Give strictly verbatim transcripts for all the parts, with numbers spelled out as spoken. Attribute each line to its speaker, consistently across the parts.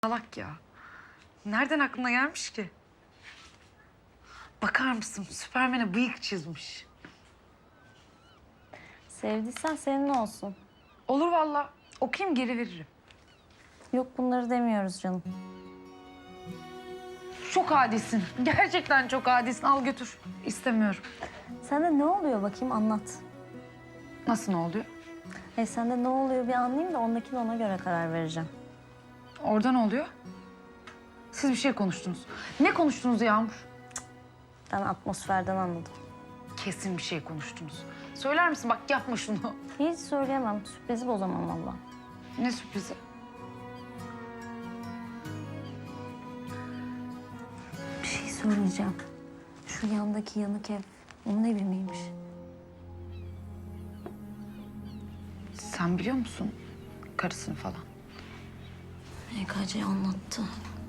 Speaker 1: Salak ya. Nereden aklına gelmiş ki? Bakar mısın? Süpermen'e bıyık çizmiş.
Speaker 2: Sevdiysen senin olsun.
Speaker 1: Olur vallahi. Okuyayım geri veririm.
Speaker 2: Yok bunları demiyoruz canım.
Speaker 1: Çok adisin. Gerçekten çok adisin. Al götür. İstemiyorum.
Speaker 2: Sende ne oluyor bakayım anlat.
Speaker 1: Nasıl ne oluyor?
Speaker 2: Hey sende ne oluyor bir anlayayım da ondakine ona göre karar vereceğim.
Speaker 1: Orada ne oluyor? Siz bir şey konuştunuz. Ne konuştunuz Yağmur?
Speaker 2: Ben atmosferden anladım.
Speaker 1: Kesin bir şey konuştunuz. Söyler misin? Bak yapma şunu.
Speaker 2: Hiç söyleyemem. Sürprizi bozamam valla.
Speaker 1: Ne sürprizi?
Speaker 2: Bir şey söyleyeceğim. Şu yandaki yanık ev onun evi miymiş?
Speaker 1: Sen biliyor musun karısını falan?
Speaker 2: E K C anlattı.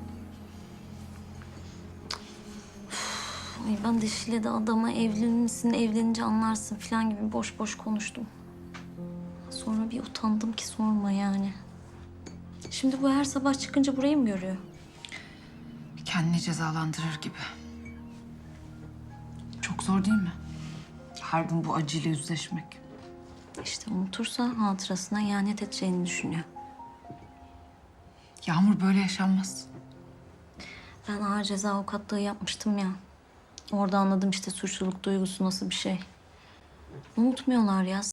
Speaker 2: Üf, Ay ben de Şile'de adama evlenir misin, evlenince anlarsın falan gibi boş boş konuştum. Sonra bir utandım ki sorma yani. Şimdi bu her sabah çıkınca burayı mı görüyor?
Speaker 1: Kendini cezalandırır gibi. Çok zor değil mi? Her gün bu acıyla yüzleşmek.
Speaker 2: İşte unutursa hatırasına ihanet edeceğini düşünüyor.
Speaker 1: Yağmur böyle yaşanmaz.
Speaker 2: Ben ağır ceza avukatlığı yapmıştım ya. Orada anladım işte suçluluk duygusu nasıl bir şey. Unutmuyorlar ya.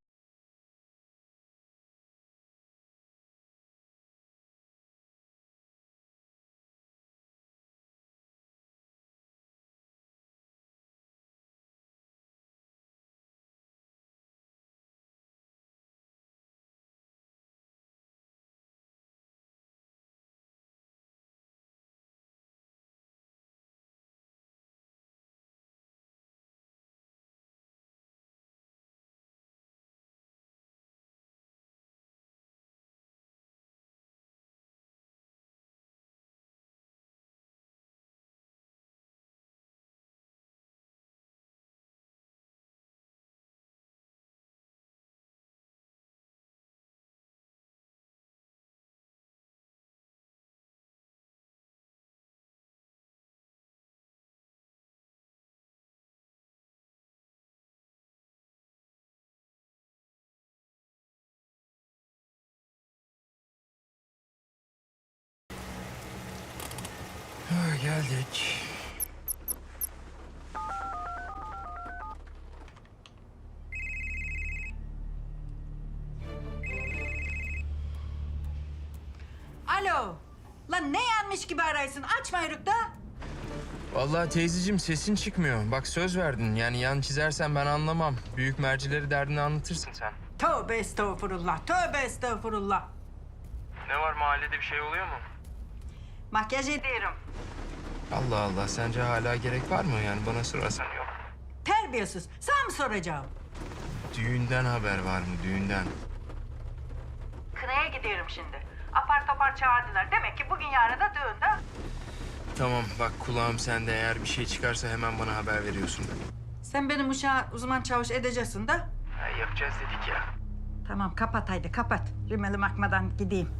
Speaker 3: Ha, geldik.
Speaker 4: Alo. Lan ne yanmış gibi araysın? Açma yürük da.
Speaker 3: Vallahi teyzeciğim sesin çıkmıyor. Bak söz verdin. Yani yan çizersen ben anlamam. Büyük mercileri derdini anlatırsın sen.
Speaker 4: Tövbe estağfurullah. Tövbe estağfurullah.
Speaker 3: Ne var mahallede bir şey oluyor mu?
Speaker 4: Makyaj ediyorum.
Speaker 3: Allah Allah sence hala gerek var mı? Yani bana sorarsan yok.
Speaker 4: Terbiyesiz. Sana mı soracağım?
Speaker 3: Düğünden haber var mı düğünden?
Speaker 4: Kınaya gidiyorum şimdi. Apar topar çağırdılar. Demek ki bugün yarın da düğünde.
Speaker 3: Tamam bak kulağım sende, eğer bir şey çıkarsa hemen bana haber veriyorsun.
Speaker 4: Sen benim uşağı uzman çavuş edeceksin de.
Speaker 3: Ha, yapacağız dedik ya.
Speaker 4: Tamam kapat haydi kapat. Rimeli makmadan gideyim.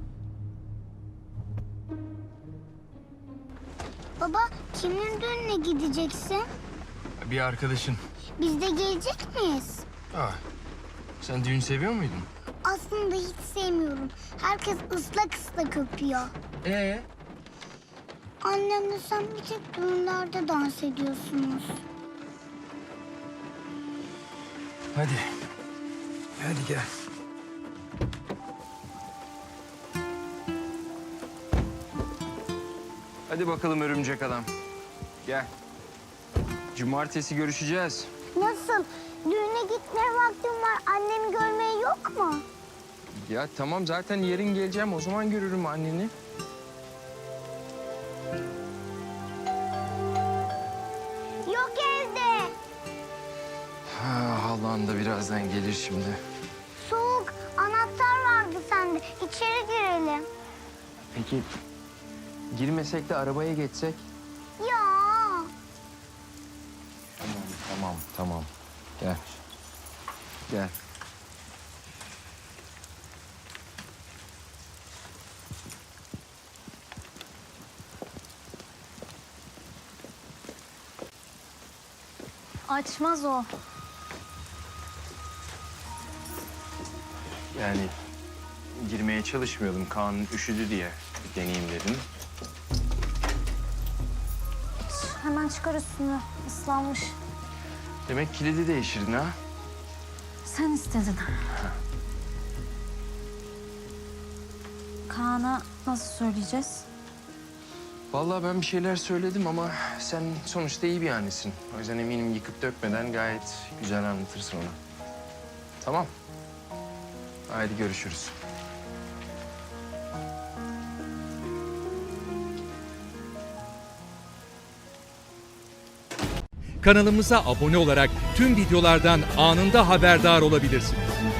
Speaker 5: Baba, kimin düğününe gideceksin?
Speaker 3: Bir arkadaşın.
Speaker 5: Biz de gelecek miyiz?
Speaker 3: Ah, sen düğün seviyor muydun?
Speaker 5: Aslında hiç sevmiyorum. Herkes ıslak ıslak öpüyor.
Speaker 3: Ee?
Speaker 5: Annemle sen bir tek düğünlerde dans ediyorsunuz.
Speaker 3: Hadi. Hadi gel. Hadi bakalım örümcek adam. Gel. Cumartesi görüşeceğiz.
Speaker 5: Nasıl? Düğüne gitmeye vaktim var. Annemi görmeye yok mu?
Speaker 3: Ya tamam zaten yarın geleceğim. O zaman görürüm anneni.
Speaker 5: Yok evde.
Speaker 3: Ha, halan da birazdan gelir şimdi.
Speaker 5: Soğuk. Anahtar vardı sende. İçeri girelim.
Speaker 3: Peki girmesek de arabaya geçsek?
Speaker 5: Ya.
Speaker 3: Tamam, tamam, tamam. Gel. Gel.
Speaker 2: Açmaz o.
Speaker 3: Yani girmeye çalışmıyordum. Kaan üşüdü diye bir deneyeyim dedim.
Speaker 2: Hemen çıkar üstünü. Islanmış.
Speaker 3: Demek kilidi değiştirdin ha?
Speaker 2: Sen istedin. Kaan'a nasıl söyleyeceğiz?
Speaker 3: Vallahi ben bir şeyler söyledim ama sen sonuçta iyi bir annesin. O yüzden eminim yıkıp dökmeden gayet güzel anlatırsın ona. Tamam. Haydi görüşürüz.
Speaker 6: Kanalımıza abone olarak tüm videolardan anında haberdar olabilirsiniz.